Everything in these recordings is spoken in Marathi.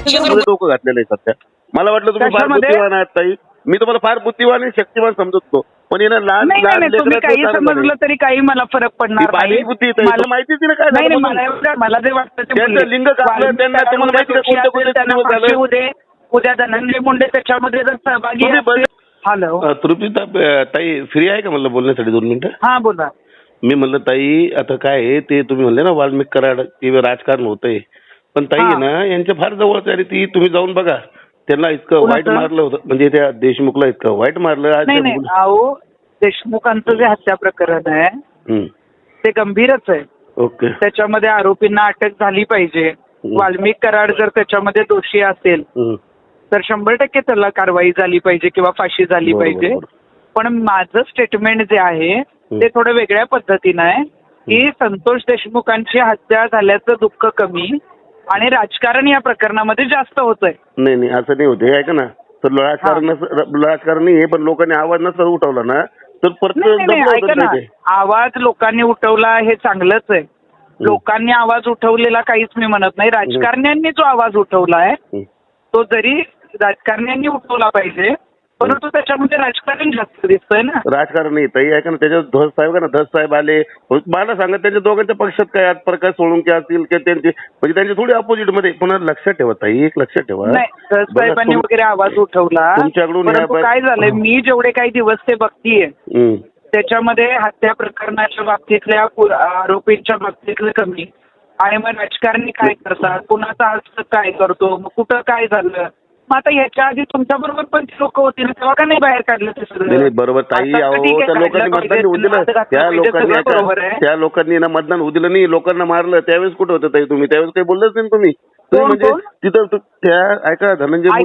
डोकं घातलेलं आहे सध्या. मला वाटलं तुम्ही फार बुद्धिवान आहात ताई. मी तुम्हाला फार बुद्धिवान आणि शक्तिमान समजतो, पण येणं लहान तुम्ही काही समजलं तरी काही मला फरक पडणार नाही. बुद्धी मला माहितीच नाही काय झालं. मला जे वाटतं त्यांचं लिंग कापलं, त्यांना तुम्हाला माहिती कोणते कोणते दिवस झाले. उद्या धनंजय मुंडे त्याच्यामध्ये जर सहभागी असतील. हॅलो तृप्ती ताई फ्री आहे का म्हणलं बोलण्यासाठी 2 मिनिटं? हा बोला. मी म्हणलं ताई आता काय आहे ते तुम्ही म्हणले ना वाल्मिक कराड ते राजकारण होतंय, पण ताई आहे ना यांच्या फार जवळच आहे ती. तुम्ही जाऊन बघा, त्यांना इतकं वाईट मारलं होतं, म्हणजे त्या देशमुखला इतकं वाईट मारलं. अहो देशमुखांचं जे हत्या प्रकरण आहे ते गंभीरच आहे. ओके. त्याच्यामध्ये आरोपींना अटक झाली पाहिजे. वाल्मिक कराड जर त्याच्यामध्ये दोषी असेल तर 100% त्याला कारवाई झाली पाहिजे किंवा फाशी झाली पाहिजे. पण माझं स्टेटमेंट जे आहे ते थोडं वेगळ्या पद्धतीनं आहे की संतोष देशमुखांची हत्या झाल्याचं दुःख कमी आणि राजकारण या प्रकरणामध्ये जास्त होतंय. नाही असं नाही होते, ऐका ना. तर राजकारण नाही, पण लोकांनी आवाज नसता उठवला ना तर ऐका ना, आवाज लोकांनी उठवला हे चांगलंच आहे. लोकांनी आवाज उठवलेला काहीच मी म्हणत नाही. राजकारण्यांनी जो आवाज उठवलाय तो जरी राजकारण्यांनी उठवला पाहिजे, परंतु त्याच्यामध्ये राजकारण जास्त दिसतंय ना. राजकारण नाही ताई, ऐका ना. त्याच्यात धस साहेब का ना, धस साहेब आले, मला सांगा त्यांच्या दोघांच्या पक्षात काय आज प्रकाश सोळुंके असतील किंवा त्यांचे म्हणजे त्यांचे थोडी अपोजिट मध्ये. पुन्हा लक्षात ठेवा ताई, एक लक्षात ठेवा. नाही धस साहेबांनी वगैरे आवाज उठवला तुमच्याकडून. काय झालंय, मी जेवढे काही दिवस ते बघतीये त्याच्यामध्ये हत्या प्रकरणाच्या बाबतीतल्या आरोपींच्या बाबतीतलं कमी. आणि मग राजकारणी काय करतात, कुणाचा हस्त काय करतो, मग कुठं काय झालं. मग आता याच्या आधी तुमच्या बरोबर पण लोक होती ना, तेव्हा का नाही बाहेर काढलं ते सगळं? बरोबर ताई. त्या लोकांनी मतदान होऊ दिलं, त्या लोकांनी ना मतदान होऊ दिलं नाही, लोकांना मारलं. त्यावेळेस कुठं होतं ताई तुम्ही? त्यावेळेस काही बोललंच नाही तुम्ही. म्हणजे तिथं त्या ऐका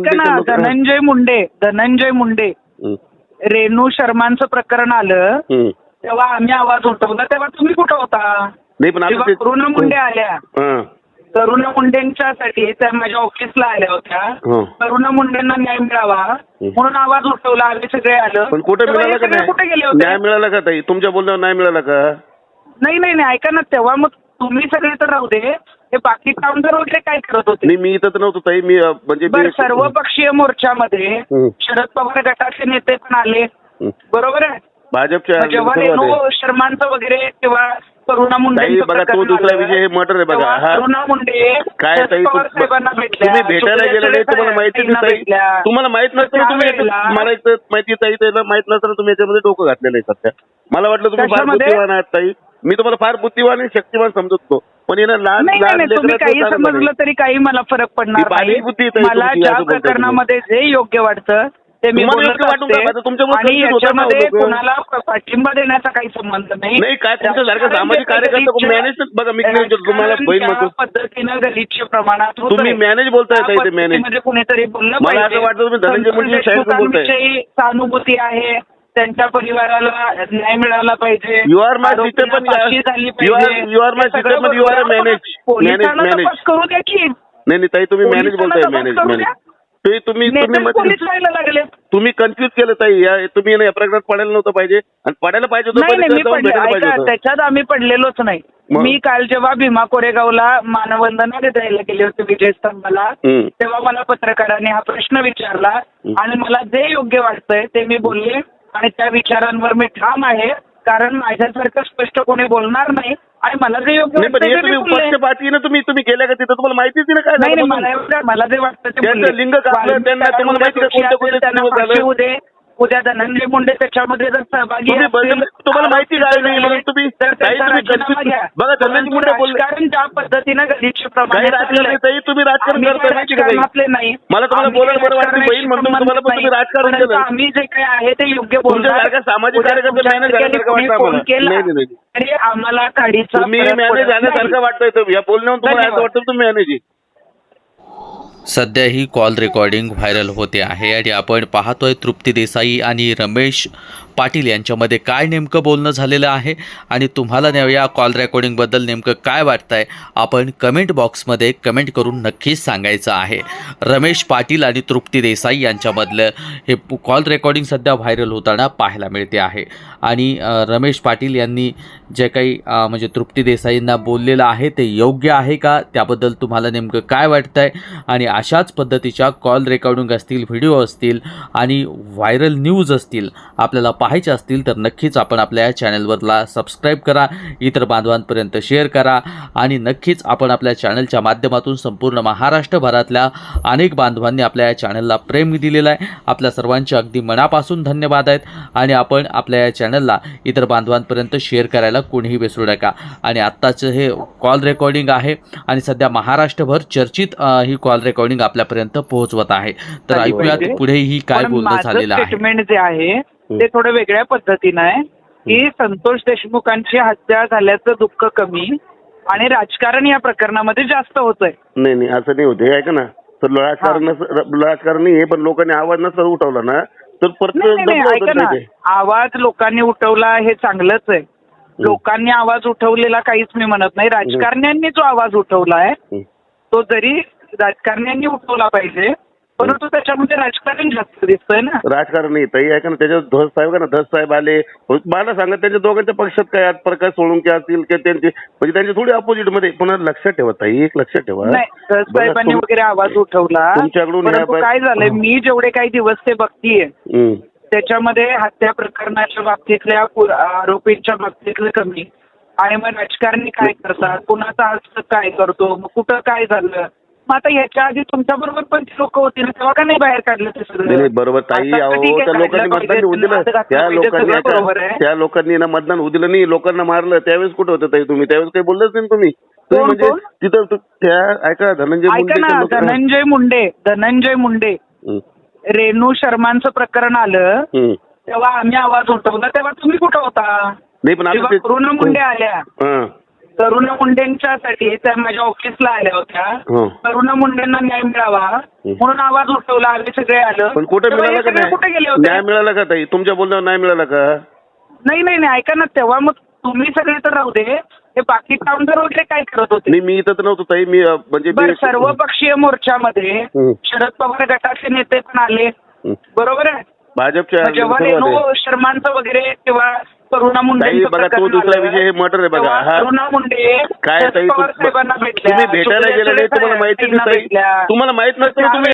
धनंजय मुंडे रेणू शर्मांचं प्रकरण आलं तेव्हा आम्ही आवाज उठवला, तेव्हा तुम्ही कुठं होता? नाही पण करुणा मुंडे आल्या, करुणा मुंडेंच्यासाठी त्या माझ्या ऑफिसला आल्या होत्या. करुणा मुंडेंना न्याय मिळावा म्हणून आवाज उठवला, आम्ही सगळे आलो. पण कुठे मिळाला का नाही? कुठे गेले होते? न्याय मिळाला का ताई? तुमच्या बोलण्यावर न्याय मिळाला का? नाही ऐका ना, तेव्हा मग तुम्ही सगळे तर राहू दे, हे बाकी कामगार वगैरे काय करत होते? मी इथं तर नव्हतो ताई. मी म्हणजे सर्वपक्षीय मोर्चामध्ये शरद पवार गटाचे नेते पण आले, बरोबर आहे. भाजपच्या जेव्हा रेणू शर्मांचं वगैरे किंवा करुणा मुंडे बघा, तो दुसरा विषय मर्डर आहे बघा. करुणा मुंडे काय ताई तुम्ही भेटायला गेले नाही, तुम्हाला माहिती नाही. तुम्हाला माहित नसतं, तुम्ही मला माहिती ताई त्याला माहित नसतं तुम्ही याच्यामध्ये डोकं घातलेलं आहे सध्या. मला वाटलं तुम्ही फार बुद्धिवान आहात ताई. मी तुम्हाला फार बुद्धिवान आणि शक्तिमान समजतो, पण येणं लहान तुम्ही काही समजलं तरी काही मला फरक पडणार नाही. मला ज्या प्रकरणामध्ये जे योग्य वाटतं ते मी बोलत असते आणि याच्यामध्ये कोणाला पाठिंबा देण्याचा काही संबंध नाही. काय तुमच्यासारखं सामाजिक कार्यकर्ता मॅनेज बघा. मी तुम्हाला पद्धतीनं गलिच्छ प्रमाणात तुम्ही मॅनेज बोलताय ताई, मॅनेज कुणीतरी बोललं मला असं वाटतं तुम्ही धनंजय मुंडे सहानुभूती आहे, त्यांच्या परिवाराला न्याय मिळाला पाहिजे. यू आर माय सिस्टर, पण यू आर माय सिस्टर, पण यू आर मॅनेज करू द्या की. नाही ताई, तुम्ही मॅनेज बोलताय, मॅनेज. तुम्ही कन्फ्युज केलं ताई. तुम्ही या प्रकरणात पडायला नव्हतं पाहिजे आणि पडायला पाहिजे होतं. त्याच्यात आम्ही पडलेलोच नाही. मी काल जेव्हा भीमा कोरेगावला मानवंदना द्यायला गेले होते विजयस्तंभाला, तेव्हा मला पत्रकारांनी हा प्रश्न विचारला आणि मला जे योग्य वाटतंय ते मी बोलले आणि त्या विचारांवर मी ठाम आहे. कारण माझ्यासारखं स्पष्ट कोणी बोलणार नाही आणि मला जे योग्य पक्षपातीनं तुम्ही गेल्या का तिथं? तुम्हाला माहितीच नाही काय मला जे वाटतं ते लिंग कापलं, त्यांना तुम्हाला माहिती होऊ दे. उद्या धनंजय मुंडे त्याच्यामध्ये जर सहभागी तुम्हाला माहिती काय नाही म्हणून तुम्ही बघा. धनंजय मुंडे कारण ज्या पद्धतीनं गलिच्छ तुम्ही राजकारण करताय नाही. मला तुम्हाला बोलायला बरं वाटतं बहीण म्हणतो तुम्हाला, पण तुम्ही राजकारण केलं. आम्ही जे काही आहे ते योग्य बोलतो. सामाजिक कार्यकर्ते मॅनेज झाल्यासारखं तरी आम्हाला काढीचा तुम्ही मॅनेज झाल्यासारखं वाटतंय. या बोलण्यावर तुम्हाला असं वाटतं तुम्ही मॅनेज. सध्या ही कॉल रेकॉर्डिंग व्हायरल होते आहे आणि आपण पाहतोय तृप्ती देसाई आणि रमेश पाटील यांच्यामध्ये काय नेमकं बोलणं झालेलं आहे आणि तुम्हाला या कॉल रेकॉर्डिंगबद्दल नेमकं काय वाटतंय आपण कमेंट बॉक्समध्ये कमेंट करून नक्कीच सांगायचं आहे. रमेश पाटील आणि तृप्ती देसाई यांच्यामधलं हे कॉल रेकॉर्डिंग सध्या व्हायरल होताना पाहायला मिळते आहे आणि रमेश पाटील यांनी जे काही म्हणजे तृप्ती देसाईंना बोललेलं आहे ते योग्य आहे का, त्याबद्दल तुम्हाला नेमकं काय वाटतंय आणि अशाच पद्धतीच्या कॉल रेकॉर्डिंग असतील, व्हिडिओ असतील आणि व्हायरल न्यूज असतील आपल्याला पाहायचे असतील तर नक्कीच आपण आपल्या या चॅनलवरला सबस्क्राईब करा, इतर बांधवांपर्यंत शेअर करा आणि नक्कीच आपण आपल्या चॅनलच्या माध्यमातून संपूर्ण महाराष्ट्रभरातल्या अनेक बांधवांनी आपल्या या चॅनलला प्रेम दिलेलं आहे. आपल्या सर्वांचे अगदी मनापासून धन्यवाद आहेत आणि आपण आपल्या या चॅनलला इतर बांधवांपर्यंत शेअर करायला कोणीही विसरू नका. आणि आत्ताचं हे कॉल रेकॉर्डिंग आहे आणि सध्या महाराष्ट्रभर चर्चित ही कॉल रेकॉर्डिंग आपल्यापर्यंत पोहोचवत आहे. तर ऐकूयात पुढेही काय बोलणं झालेलं आहे. स्टेटमेंट जे आहे ते थोडं वेगळ्या पद्धतीनं आहे की संतोष देशमुखांची हत्या झाल्याचं दुःख कमी आणि राजकारण या प्रकरणामध्ये जास्त होतंय. नाही असं नाही होते, ऐका ना. तर राजकारण नाही, पण लोकांनी आवाज नसता उठवला ना तर ऐका ना, आवाज लोकांनी उठवला हे चांगलंच आहे. लोकांनी आवाज उठवलेला काहीच मी म्हणत नाही. राजकारण्यांनी जो आवाज उठवलाय तो जरी राजकारण्यांनी उठवला पाहिजे, परंतु त्याच्यामध्ये राजकारण जास्त दिसतंय ना. राजकारण नाही ताई, ऐका ना. त्याच्यात धस साहेब का ना, धस साहेब आले, मला सांगा त्यांच्या दोघांच्या पक्षात काय प्रकाश सोळुंके असतील की त्यांचे म्हणजे त्यांचे थोडी अपोजिट मध्ये. पण लक्षात ठेवा ताई, एक लक्षात ठेवा, धस साहेबांनी वगैरे आवाज उठवला. तुमच्याकडून काय झालंय, मी जेवढे काही दिवस ते बघतीये त्याच्यामध्ये हत्या प्रकरणाच्या बाबतीतल्या आरोपींच्या बाबतीतलं कमी आणि मग राजकारणी काय करतात, कुणाचा हस्त काय करतो, मग कुठं काय झालं. मग आता याच्या आधी तुमच्या बरोबर पण लोक होती ना, तेव्हा का नाही बाहेर काढलं ते सगळं. बरोबर ताई, त्या लोकांनी मतदान होऊ दिलं, त्या लोकांनी ना मतदान होऊ दिलं नाही, लोकांना मारलं. त्यावेळेस कुठं होतं ताई तुम्ही? त्यावेळेस काही बोललंच नाही तुम्ही. म्हणजे तिथं त्या ऐका धनंजय मुंडे रेणू शर्मांचं प्रकरण आलं तेव्हा आम्ही आवाज उठवला, तेव्हा तुम्ही कुठं होता? नाही पण करुणा मुंडे आल्या, करुणा मुंडेंच्यासाठी त्या माझ्या ऑफिसला आल्या होत्या. करुणा मुंडेंना न्याय मिळावा म्हणून आवाज उठवला, आम्ही सगळे आलं. पण कुठे मिळाला का? कुठे गेले होते? न्याय मिळाला का ताई? तुमच्या बोलण्यावर न्याय मिळाला का? नाही ऐका ना, तेव्हा मग तुम्ही सगळे तर राहू दे, हे बाकी कामगार वगैरे काय करत होते? मी इथं तर नव्हतो ताई. मी म्हणजे सर्वपक्षीय मोर्चामध्ये शरद पवार गटाचे नेते पण आले, बरोबर आहे. भाजपच्या जेव्हा रेणू शर्मांचं वगैरे किंवा करुणा मुंडे बघा, तो दुसरा विषय हे मटर आहे बघा. करुणा मुंडे काय ताई, साहेबांना भेटल्या, तुम्ही भेटायला गेले नाही, तुम्हाला माहिती नाही. तुम्हाला माहित नसतं तुम्ही